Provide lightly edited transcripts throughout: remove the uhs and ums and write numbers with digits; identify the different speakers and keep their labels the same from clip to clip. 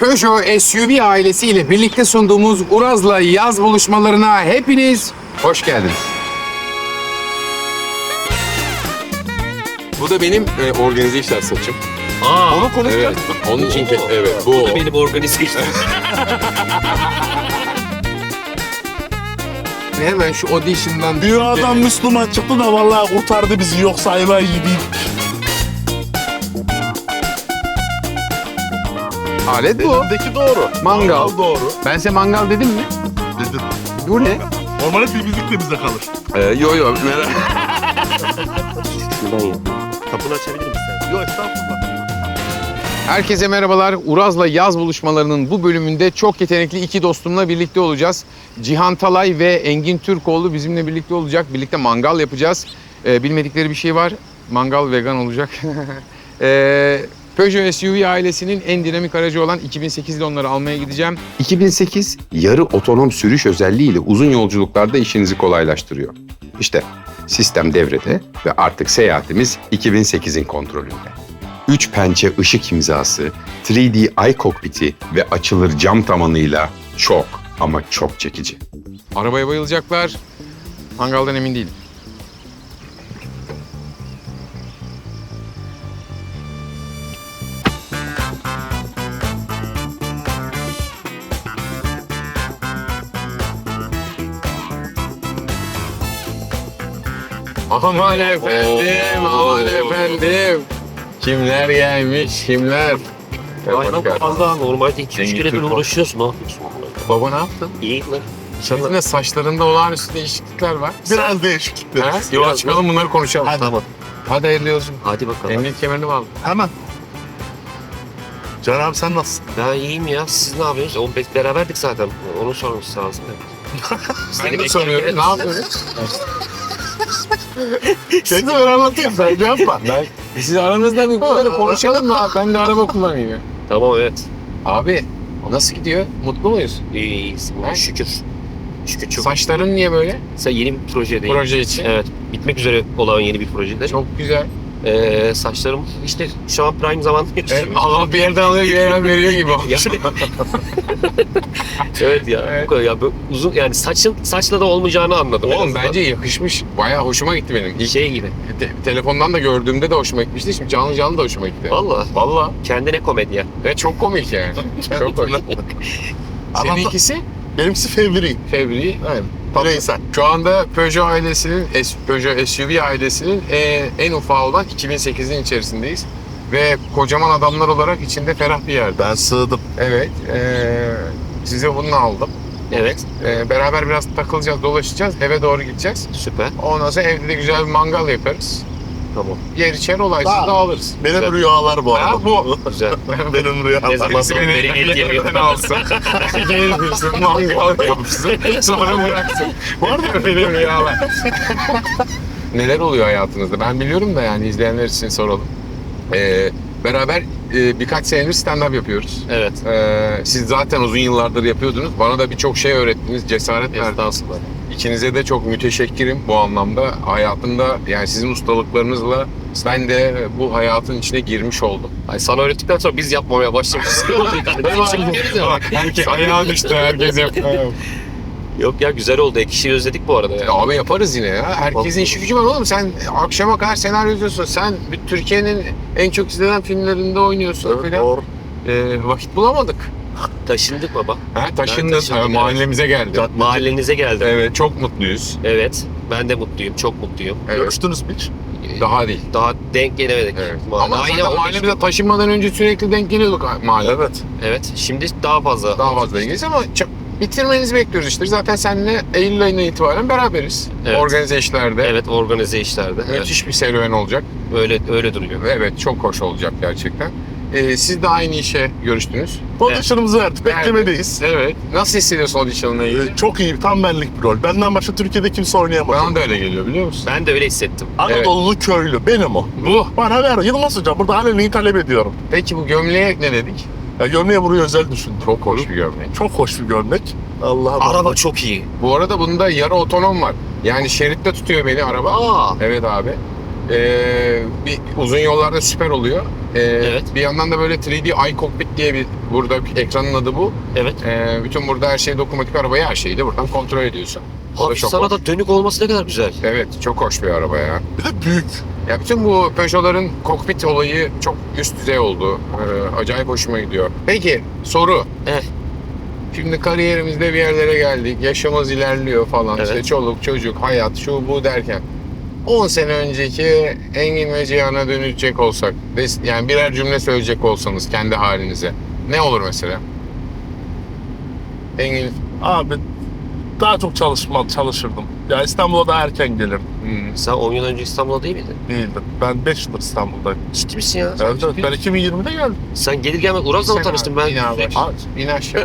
Speaker 1: Peugeot SUV ailesiyle birlikte sunduğumuz Uraz'la yaz buluşmalarına hepiniz hoş geldiniz. Bu da benim organize işler saçım.
Speaker 2: Onu konuşacağız.
Speaker 1: Evet, onun için evet bu.
Speaker 2: Bu da benim organize işlerim.
Speaker 1: Hemen şu audition'dan...
Speaker 3: Dünyadan Müslüman çıktı da vallahi kurtardı bizi, yoksa ayva yiydik.
Speaker 1: Alet bu.
Speaker 3: Elimdeki doğru.
Speaker 1: Mangal.
Speaker 3: doğru.
Speaker 1: Ben size mangal dedim mi?
Speaker 3: Dedim.
Speaker 1: Bu ne?
Speaker 3: Normalde temizlik de bizde kalır.
Speaker 1: Yo merak.
Speaker 2: Şuradan ya. Kapını açabilir misin sen?
Speaker 3: Yok estağfurullah.
Speaker 1: Herkese merhabalar. Uraz'la yaz buluşmalarının bu bölümünde çok yetenekli iki dostumla birlikte olacağız. Cihan Talay ve Engin Türkoğlu bizimle birlikte olacak. Birlikte mangal yapacağız. Bilmedikleri bir şey var. Mangal vegan olacak. Peugeot SUV ailesinin en dinamik aracı olan 2008'de onları almaya gideceğim.
Speaker 4: 2008 yarı otonom sürüş özelliğiyle uzun yolculuklarda işinizi kolaylaştırıyor. İşte sistem devrede ve artık seyahatimiz 2008'in kontrolünde. 3 pençe ışık imzası, 3D iCockpit'i ve açılır cam tavanıyla çok ama çok çekici.
Speaker 1: Arabaya bayılacaklar. Mangaldan emin değilim. Aman efendim, aman efendim. Kimler gelmiş, kimler?
Speaker 2: Aynen fazla. Normalde 2-3 kere böyle uğraşıyorsun. Ne yapıyorsun?
Speaker 1: Baba ne yaptın?
Speaker 2: İyi lan.
Speaker 1: Senin de saçlarında olağanüstü değişiklikler var.
Speaker 3: Biraz değişiklikler.
Speaker 1: Ha? Yola çıkalım bunları konuşalım.
Speaker 2: Tamam.
Speaker 1: Hadi hayırlı olsun.
Speaker 2: Hadi bakalım.
Speaker 1: Emniyet kemerini bağlı.
Speaker 3: Hemen. Can abi sen nasılsın?
Speaker 2: Ben iyiyim ya. Siz ne yapıyorsunuz? Beraberdik zaten. Onu sorması lazım.
Speaker 1: Ben de soruyorum. Ne yapıyorsun?
Speaker 3: Seni ben anlatayım, sen de yapma.
Speaker 1: Siz aranızda bir bunları konuşalım mı? Ben de araba kullanayım.
Speaker 2: Tamam evet.
Speaker 1: Abi nasıl gidiyor? Mutlu muyuz?
Speaker 2: İyiyiz.
Speaker 1: Ha?
Speaker 2: Şükür. Şükür çok.
Speaker 1: Saçların niye böyle?
Speaker 2: Sen yeni bir projedeyim.
Speaker 1: Proje için.
Speaker 2: Evet. Bitmek üzere olan yeni bir projede.
Speaker 1: Çok güzel.
Speaker 2: Saçlarım işte şu an prime zaman.
Speaker 1: Allah bir yerden alıyor, bir yerden veriyor gibi olmuş.
Speaker 2: Yani- evet ya.
Speaker 1: Evet.
Speaker 2: Bu kadar ya böyle uzun yani saçla da olmayacağını anladım. en
Speaker 1: Oğlum
Speaker 2: azından.
Speaker 1: bence yakışmış. Bayağı hoşuma gitti benim. İlk
Speaker 2: şey gibi.
Speaker 1: telefondan da gördüğümde de hoşuma gitmişti. Şimdi canlı canlı da hoşuma gitti.
Speaker 2: Valla.
Speaker 1: Vallahi.
Speaker 2: Kendine komedya.
Speaker 1: Ve çok komik yani. Çok komik. Seninkisi?
Speaker 3: Benimkisi fevri.
Speaker 1: Fevri.
Speaker 3: Aynen. Bireysel.
Speaker 1: Şu anda Peugeot ailesinin, Peugeot SUV ailesinin en ufağı olan 2008'in içerisindeyiz. Ve kocaman adamlar olarak içinde ferah bir yerde.
Speaker 3: Ben sığdım.
Speaker 1: Evet, size bunu aldım.
Speaker 2: Evet.
Speaker 1: Beraber biraz takılacağız, dolaşacağız, eve doğru gideceğiz.
Speaker 2: Süper.
Speaker 1: Ondan sonra evde de güzel bir mangal yaparız.
Speaker 2: Tamam.
Speaker 1: Yer içer olaysız
Speaker 3: Tamam.
Speaker 1: dağılırız.
Speaker 3: Benim
Speaker 2: Güzel.
Speaker 3: rüyalar bu arada.
Speaker 1: Ha, bu.
Speaker 2: Güzel.
Speaker 3: Benim
Speaker 2: Ne
Speaker 3: rüyalar.
Speaker 2: zaman
Speaker 1: Birisi beni
Speaker 2: beni
Speaker 1: ellerden alsın. Gelirsin, mangal yapsın, sonra bıraksın. Bu arada benim rüyalar. Neler oluyor hayatınızda? Ben biliyorum da yani izleyenler için soralım. Beraber birkaç senedir stand-up yapıyoruz.
Speaker 2: Evet.
Speaker 1: Siz zaten uzun yıllardır yapıyordunuz. Bana da birçok şey öğrettiniz, cesaret verdiniz.
Speaker 2: Estağfurullah.
Speaker 1: İkinize de çok müteşekkirim bu anlamda. Hayatımda yani sizin ustalıklarınızla ben de bu hayatın içine girmiş oldum.
Speaker 2: Ay sana öğrettikten sonra biz yapmamaya başlamışız.
Speaker 1: Herkes ayağa düştü, herkes yapıyor.
Speaker 2: Yok ya güzel oldu. Ek işi özledik bu arada ya.
Speaker 1: Abi yaparız yine ya. Herkesin işi gücü var oğlum. Sen akşama kadar senaryo yazıyorsun. Sen Türkiye'nin en çok izlenen filmlerinde oynuyorsun
Speaker 3: Evet,
Speaker 1: falan.
Speaker 3: doğru.
Speaker 1: Vakit bulamadık.
Speaker 2: Taşındık baba.
Speaker 1: Ha,
Speaker 2: Ben
Speaker 1: taşındın.
Speaker 2: taşındım,
Speaker 1: Mahallemize geldi.
Speaker 2: Mahallenize geldim.
Speaker 1: Evet, çok mutluyuz.
Speaker 2: Evet. Ben de mutluyum. Çok mutluyum.
Speaker 1: Evet.
Speaker 3: Görüştünüz mü hiç?
Speaker 1: Daha değil.
Speaker 2: Daha denk gelemedik.
Speaker 1: Evet. Ama
Speaker 2: Aynı
Speaker 1: zaten mahallemize taşınmadan önce sürekli denk geliyorduk mahalle.
Speaker 3: Evet.
Speaker 2: Evet. Şimdi daha fazla.
Speaker 1: Daha fazla ilgiliyiz ama bitirmenizi bekliyoruz işte. Zaten seninle Eylül ayından itibaren beraberiz.
Speaker 2: Evet.
Speaker 1: Organize işlerde.
Speaker 2: Evet organize işlerde. Evet.
Speaker 1: Müthiş bir serüven olacak.
Speaker 2: Öyle duruyor.
Speaker 1: Evet, çok hoş olacak gerçekten. Siz de aynı işe görüştünüz.
Speaker 3: Audition'ımızı verdik. Beklemedeyiz.
Speaker 1: Evet. Nasıl hissediyorsun audition'la ilgili?
Speaker 3: Çok iyi, tam benlik bir rol. Benden başka Türkiye'de kimse oynayamaz.
Speaker 1: Bana da öyle geliyor biliyor musun?
Speaker 2: Ben de öyle hissettim.
Speaker 3: Anadolu köylü, benim o.
Speaker 1: Bu.
Speaker 3: Bana ver, Yılmaz Hocam. Burada aleni talep ediyorum.
Speaker 1: Peki bu gömleğe ne dedik?
Speaker 3: Ya gömleğe buraya özel düşündüm.
Speaker 1: Çok hoş bir gömlek.
Speaker 3: Çok hoş bir gömlek. Allah'ım.
Speaker 2: Araba çok iyi.
Speaker 1: Bu arada bunda yarı otonom var. Yani şeritte tutuyor beni araba.
Speaker 2: Aa.
Speaker 1: Evet abi. Bir uzun yollarda süper oluyor.
Speaker 2: Evet.
Speaker 1: Bir yandan da böyle 3D iCockpit diye bir Burada ekranın adı bu.
Speaker 2: Evet.
Speaker 1: Bütün burada her şey dokunmatik, arabayı her şeyi de buradan kontrol ediyorsun. O da
Speaker 2: Abi
Speaker 1: çok
Speaker 2: sana
Speaker 1: hoş.
Speaker 2: da dönük olması ne kadar güzel.
Speaker 1: Evet, çok hoş bir araba ya.
Speaker 3: Bir de büyük.
Speaker 1: Ya bütün bu Peugeot'ların kokpit olayı çok üst düzey oldu. Acayip hoşuma gidiyor. Peki soru.
Speaker 2: Eh.
Speaker 1: Şimdi kariyerimizde bir yerlere geldik. Yaşımız ilerliyor falan.
Speaker 2: Evet.
Speaker 1: İşte çoluk, çocuk, hayat, şu bu derken. 10 sene önceki Engin ve Cihan'a dönecek olsak, yani birer cümle söyleyecek olsanız kendi halinize, ne olur mesela? Engin,
Speaker 3: Abi daha çok çalışırdım. Ya İstanbul'a da erken gelirdim.
Speaker 2: Sen 10 yıl önce İstanbul'da değil miydin?
Speaker 3: Değildim. Ben 5 yıldır İstanbul'dayım.
Speaker 2: Ciddi misin ya?
Speaker 3: Evet, ben 2020'de geldim.
Speaker 2: Sen gelir gelmez Uraz'la mı tanıştın ben?
Speaker 1: İn abi. İn aşağı.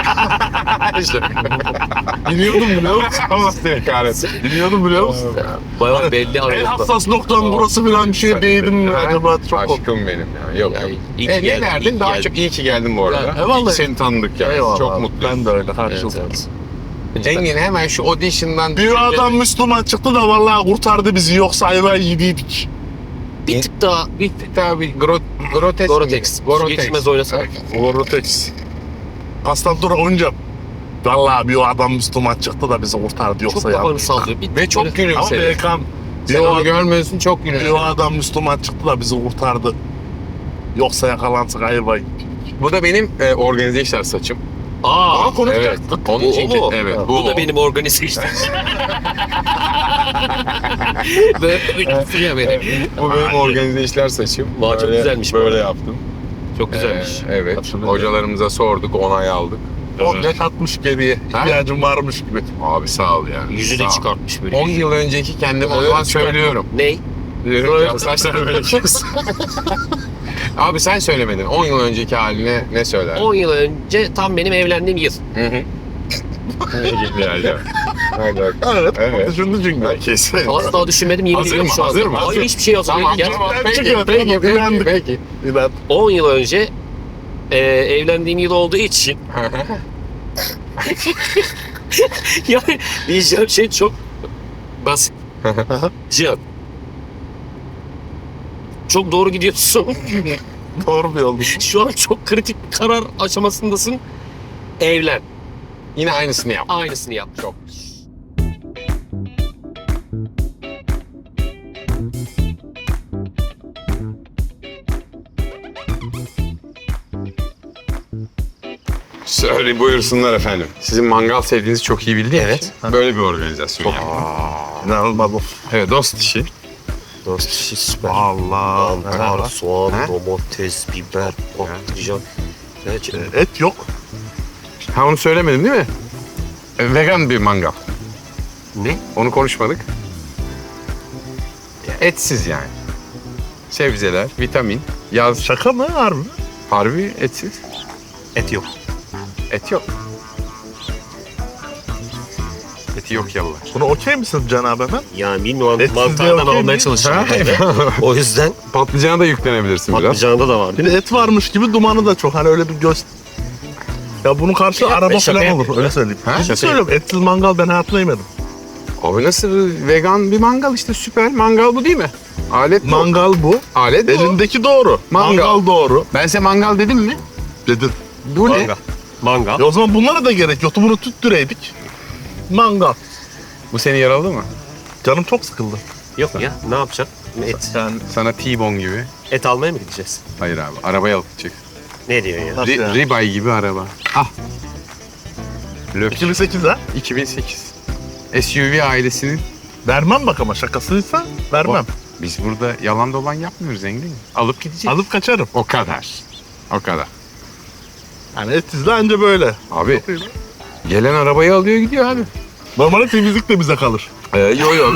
Speaker 3: Biliyordum biliyor musun?
Speaker 1: Allah seni kahretsin.
Speaker 3: Biliyordum biliyor musun?
Speaker 2: Bayağı belli
Speaker 3: En
Speaker 2: aralıkta.
Speaker 3: hassas noktam burası falan bir şey değdim mi acaba? Çok
Speaker 1: Aşkım benim ya. Yok
Speaker 2: Ya,
Speaker 1: yok.
Speaker 2: iyi ki
Speaker 1: Ne
Speaker 2: geldin, iyi
Speaker 1: derdin?
Speaker 2: ki
Speaker 1: Daha
Speaker 2: geldin.
Speaker 1: çok iyi ki geldin bu arada.
Speaker 3: Ya, eyvallah.
Speaker 1: İyi ki seni tanıdık yani.
Speaker 3: Eyvallah
Speaker 1: Çok
Speaker 3: abi.
Speaker 1: mutluyum.
Speaker 3: Ben de öyle
Speaker 2: Evet,
Speaker 3: karşılıklı.
Speaker 2: evet.
Speaker 1: Engin hemen şu audition'dan...
Speaker 3: Bir adam Müslüman çıktı da vallahi kurtardı bizi, yoksa ayvayı yediydik.
Speaker 2: Bir tık daha
Speaker 1: Bir tabi Grotex.
Speaker 2: Gorotex. Geçmez oynasak.
Speaker 3: Vortex. Kastan oynayacağım. Vallahi bir adam Müslüman çıktı da bizi kurtardı,
Speaker 2: Çok
Speaker 3: yoksa
Speaker 2: kafanı
Speaker 3: yaptık.
Speaker 2: sallıyor. Bir
Speaker 1: Ve
Speaker 2: tık
Speaker 1: çok
Speaker 2: böyle-
Speaker 3: Ama
Speaker 1: gülümsedi.
Speaker 3: Berkan,
Speaker 1: Sen onu görmüyorsun, çok
Speaker 3: bir
Speaker 1: gülümsedi.
Speaker 3: adam Müslüman çıktı da bizi kurtardı. Yoksa yakalansak ayvayı.
Speaker 1: Bu da benim organize işler saçım.
Speaker 2: Aa,
Speaker 1: Evet. Onun
Speaker 2: Bu
Speaker 1: için
Speaker 2: o mu?
Speaker 1: evet.
Speaker 2: Bu da benim organize işte. Böyle bir ya benim.
Speaker 1: Bu benim organize işler saçım.
Speaker 2: Vay, çok güzelmiş bu
Speaker 1: Böyle
Speaker 2: arada.
Speaker 1: yaptım.
Speaker 2: Çok güzelmiş.
Speaker 1: Evet.
Speaker 3: Hatırlıyorum.
Speaker 1: Hocalarımıza sorduk, onay aldık.
Speaker 3: O yaş atmış geriye. İhtiyacım varmış gibi.
Speaker 1: Abi sağ ol ya.
Speaker 2: Yüzü
Speaker 1: Sağ
Speaker 2: de
Speaker 1: ol.
Speaker 2: çıkartmış böyle.
Speaker 1: 10 yıl önceki kendime o zaman söylüyorum.
Speaker 2: Ney?
Speaker 1: Diyorum ya, saçlar böyle kes. Abi sen söylemedin. 10 yıl önceki haline ne söyler?
Speaker 2: 10 yıl önce tam benim evlendiğim yıl.
Speaker 1: Hı hı. Hadi.
Speaker 3: Evet.
Speaker 1: Evet.
Speaker 3: Düşündü çünkü.
Speaker 1: Kesin.
Speaker 2: Asla düşünmedim, yemin
Speaker 1: Hazır
Speaker 2: ediyorum
Speaker 1: mı?
Speaker 2: şu anda.
Speaker 1: Hazır mı?
Speaker 2: Hayır, hiçbir şey hazır
Speaker 1: Tamam,
Speaker 2: değil.
Speaker 1: tamam.
Speaker 3: Gerçekten
Speaker 1: Peki,
Speaker 3: çıkıyor,
Speaker 1: peki,
Speaker 3: tamam,
Speaker 1: peki,
Speaker 3: inandık.
Speaker 1: peki.
Speaker 3: Ben
Speaker 2: 10 yıl önce evlendiğim yıl olduğu için yani diyeceğim şey çok basit. Cihan. Çok doğru gidiyorsun.
Speaker 3: doğru bir yoldu.
Speaker 2: Şu an çok kritik bir karar aşamasındasın. Evlen.
Speaker 1: Yine aynısını yap.
Speaker 2: Aynısını yap.
Speaker 1: Çok. Söyle buyursunlar efendim. Sizin mangal sevdiğinizi çok iyi bildik.
Speaker 2: Evet.
Speaker 1: Böyle bir organizasyon yaptık.
Speaker 3: İnanılmaz bu.
Speaker 1: Evet, dost işi.
Speaker 2: Dost işi süper.
Speaker 3: Allah.
Speaker 2: Mantar, soğan,
Speaker 1: Ha?
Speaker 2: domates, biber, patlıcan. Gerçekten.
Speaker 3: Et yok.
Speaker 1: Ha, onu söylemedim değil mi? Vegan bir mangal.
Speaker 2: Ne?
Speaker 1: Onu konuşmadık. Etsiz yani. Sebzeler, vitamin, yaz.
Speaker 3: Şaka mı harbi?
Speaker 1: Harbi etsiz.
Speaker 2: Et yok.
Speaker 1: Et yok. Eti yok yallah.
Speaker 3: Buna okey misin Cenab-ı hemen?
Speaker 2: Yani bilmiyorum,
Speaker 3: Etsiz
Speaker 2: mantardan
Speaker 3: diye okey
Speaker 2: almaya
Speaker 3: mi?
Speaker 2: çalışıyorum. O yüzden
Speaker 1: Patlıcana da yüklenebilirsin biraz.
Speaker 2: patlıcanda da var.
Speaker 3: Bir de et varmış gibi dumanı da çok. Hani öyle bir göz... Ya bunun karşı
Speaker 2: Yapma,
Speaker 3: araba
Speaker 2: şaka
Speaker 3: falan
Speaker 2: yapma.
Speaker 3: olur. Öyle söyleyeyim.
Speaker 1: Ha?
Speaker 3: Ciddi
Speaker 1: Şaka
Speaker 3: söylüyorum. Etsiz mangal ben hayatımda yemedim.
Speaker 1: Abi nasıl vegan bir mangal işte, süper. Mangal bu değil mi? Alet bu.
Speaker 3: Mangal bu.
Speaker 1: Alet bu.
Speaker 3: Elindeki doğru.
Speaker 1: Mangal.
Speaker 3: Mangal doğru.
Speaker 1: Ben size mangal dedim mi?
Speaker 3: Dedin.
Speaker 1: Bu ne?
Speaker 2: Mangal. Mangal.
Speaker 3: O zaman bunlara da gerek yoktu. Bunu tüttüreydik. Mangal.
Speaker 1: Bu seni yaraladı mı?
Speaker 3: Canım çok sıkıldı.
Speaker 2: Yok ya, ne yapacaksın? Et.
Speaker 3: Yani
Speaker 1: Sana T-bone gibi.
Speaker 2: Et almaya mı gideceğiz?
Speaker 1: Hayır abi, arabaya alıp çık.
Speaker 2: Ne diyorsun ya?
Speaker 3: Nasıl yani?
Speaker 1: Ribeye gibi araba. Ah. Löp.
Speaker 3: 2008 ha.
Speaker 1: 2008. SUV ailesinin.
Speaker 3: Vermem bak, ama şakasıysa vermem.
Speaker 1: Biz burada yalan dolan yapmıyoruz Engin. Alıp gideceğiz.
Speaker 3: Alıp kaçarım.
Speaker 1: O kadar. O kadar.
Speaker 3: Yani etsizle anca böyle.
Speaker 1: Abi gelen arabayı alıyor gidiyor abi.
Speaker 3: Normalde temizlik de bize kalır.
Speaker 1: Yo yo.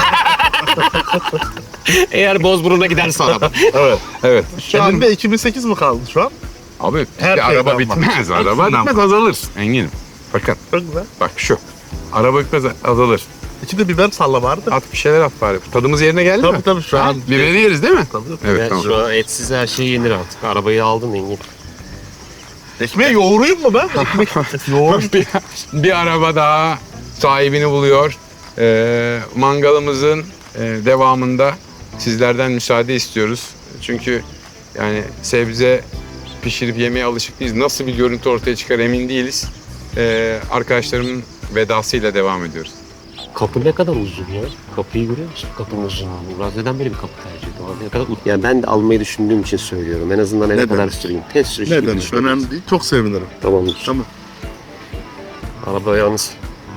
Speaker 2: Eğer Bozburun'a giderse araba.
Speaker 3: Evet.
Speaker 1: Evet. Şu an
Speaker 3: Elinde 2008 mi kaldı şu an?
Speaker 1: abi
Speaker 3: Her
Speaker 1: bir
Speaker 3: şeyden
Speaker 1: araba
Speaker 3: var.
Speaker 1: bitmez. Araba
Speaker 3: Hepsinden
Speaker 1: bitmez, azalır. Engin'im. Bakın
Speaker 3: Çok güzel.
Speaker 1: bak şu. Araba bitmez, azalır.
Speaker 3: İçinde biber salla vardı.
Speaker 1: At bir şeyler at bari. Tadımız yerine geldi mi?
Speaker 3: Tabii tabii şu an.
Speaker 1: Biberi yeriz değil mi?
Speaker 3: Tabii.
Speaker 1: Evet
Speaker 2: Ben
Speaker 1: tamam.
Speaker 2: şu an etsiz her şey yenir artık. Arabayı aldın Engin.
Speaker 3: Ekmeği yoğurayım mı ben? Ekmek yoğurayım.
Speaker 1: bir araba daha sahibini buluyor. Mangalımızın devamında sizlerden müsaade istiyoruz. Çünkü yani sebze
Speaker 4: pişirip yemeye alışık değiliz. Nasıl bir görüntü ortaya çıkar emin değiliz. Arkadaşlarımın vedasıyla devam ediyoruz.
Speaker 2: Kapı ne kadar uzun ya? Kapıyı görüyor musun? Kapının uzunluğu. Murat neden böyle bir kapı tercih ediyor? Ne kadar yani ben de almayı düşündüğüm için söylüyorum. En azından eve
Speaker 3: Neden?
Speaker 2: kadar süreyim. Test sürüşü gibi
Speaker 3: Neden?
Speaker 2: düşünüyorum.
Speaker 3: Önemli değil. Çok sevinirim.
Speaker 2: Tamamdır.
Speaker 3: Tamam.
Speaker 2: Araba yalnız.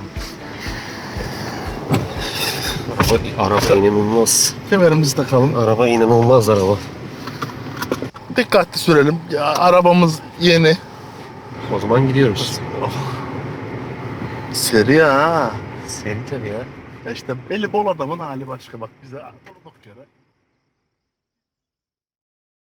Speaker 2: Araba inanılmaz.
Speaker 3: Kemerimizi takalım.
Speaker 2: Araba inanılmaz araba.
Speaker 3: Dikkatli sürelim. Ya arabamız yeni.
Speaker 2: O zaman gidiyoruz.
Speaker 3: Seri ha.
Speaker 2: Seni tabii ya.
Speaker 3: Ya işte belli bol adamın hali başka bak bize durduk yere.